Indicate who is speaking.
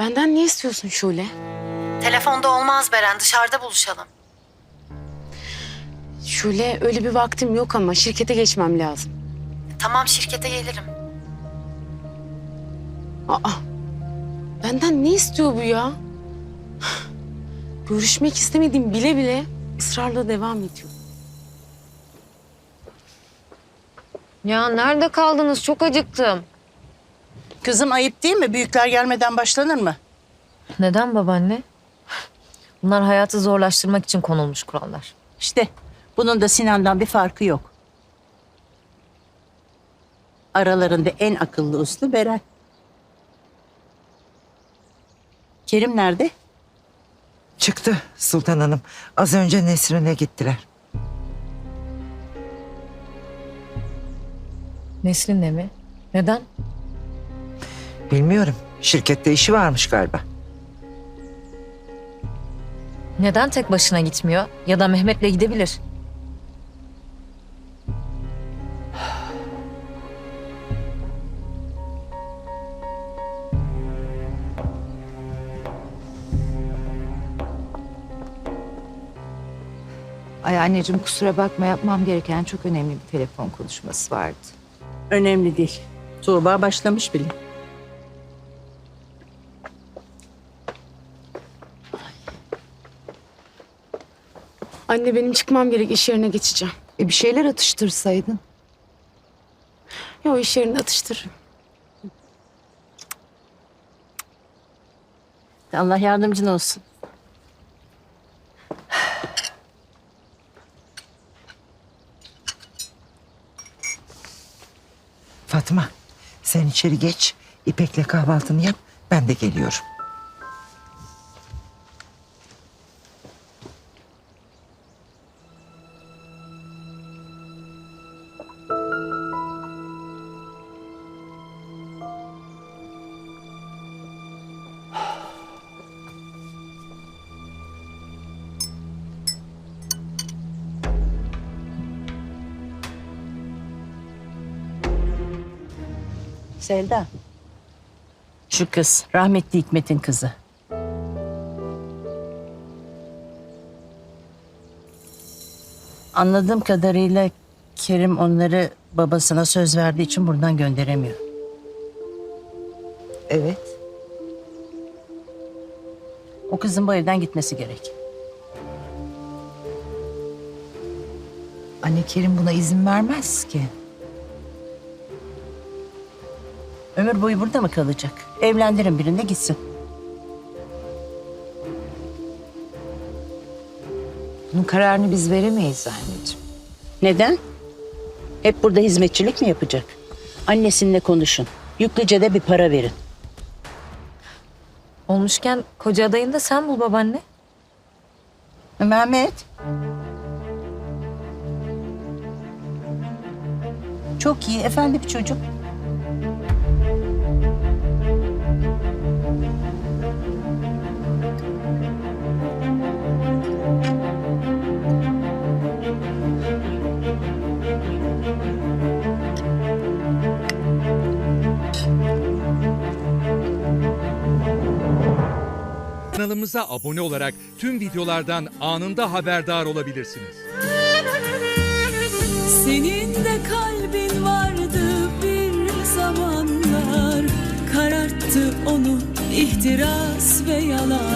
Speaker 1: Benden ne istiyorsun Şule?
Speaker 2: Telefonda olmaz Beren, dışarıda buluşalım.
Speaker 1: Şule, öyle bir vaktim yok ama şirkete geçmem lazım.
Speaker 2: Tamam, şirkete gelirim.
Speaker 1: Aa, benden ne istiyor bu ya? Görüşmek istemediğim bile bile ısrarla devam ediyor.
Speaker 3: Ya nerede kaldınız? Çok acıktım.
Speaker 4: Kızım ayıp değil mi? Büyükler gelmeden başlanır mı?
Speaker 3: Neden babaanne? Bunlar hayatı zorlaştırmak için konulmuş kurallar.
Speaker 4: İşte bunun da Sinan'dan bir farkı yok. Aralarında en akıllı uslu Beren. Kerim nerede?
Speaker 5: Çıktı Sultan Hanım. Az önce Nesrin'e gittiler.
Speaker 3: Nesrin'le mi? Neden?
Speaker 5: Bilmiyorum. Şirkette işi varmış galiba.
Speaker 3: Neden tek başına gitmiyor? Ya da Mehmet'le gidebilir.
Speaker 6: Ay anneciğim kusura bakma yapmam gereken çok önemli bir telefon konuşması vardı.
Speaker 4: Önemli değil. Tuğba başlamış bile.
Speaker 1: Anne benim çıkmam gerek, iş yerine geçeceğim.
Speaker 6: Bir şeyler atıştırsaydın.
Speaker 1: Yo, iş yerinde atıştırırım.
Speaker 4: Allah yardımcın olsun.
Speaker 5: Fatma, sen içeri geç. İpek'le kahvaltını yap. Ben de geliyorum.
Speaker 4: Selda. Şu kız rahmetli Hikmet'in kızı. Anladığım kadarıyla Kerim onları babasına söz verdiği için buradan gönderemiyor.
Speaker 5: Evet.
Speaker 4: O kızın bu evden gitmesi gerek.
Speaker 6: Anne Kerim buna izin vermez ki.
Speaker 4: Ömür boyu burada mı kalacak? Evlendirin birine gitsin.
Speaker 6: Bunun kararını biz veremeyiz anneciğim.
Speaker 4: Neden? Hep burada hizmetçilik mi yapacak? Annesininle konuşun. Yüklüce de bir para verin.
Speaker 3: Olmuşken koca adayını da sen bul babaanne.
Speaker 4: Mehmet. Çok iyi, efendi bir çocuk.
Speaker 7: Kanalımıza abone olarak tüm videolardan anında haberdar olabilirsiniz.
Speaker 8: Senin de kalbin vardı bir zamanlar, kararttı onu ihtiras ve yalan.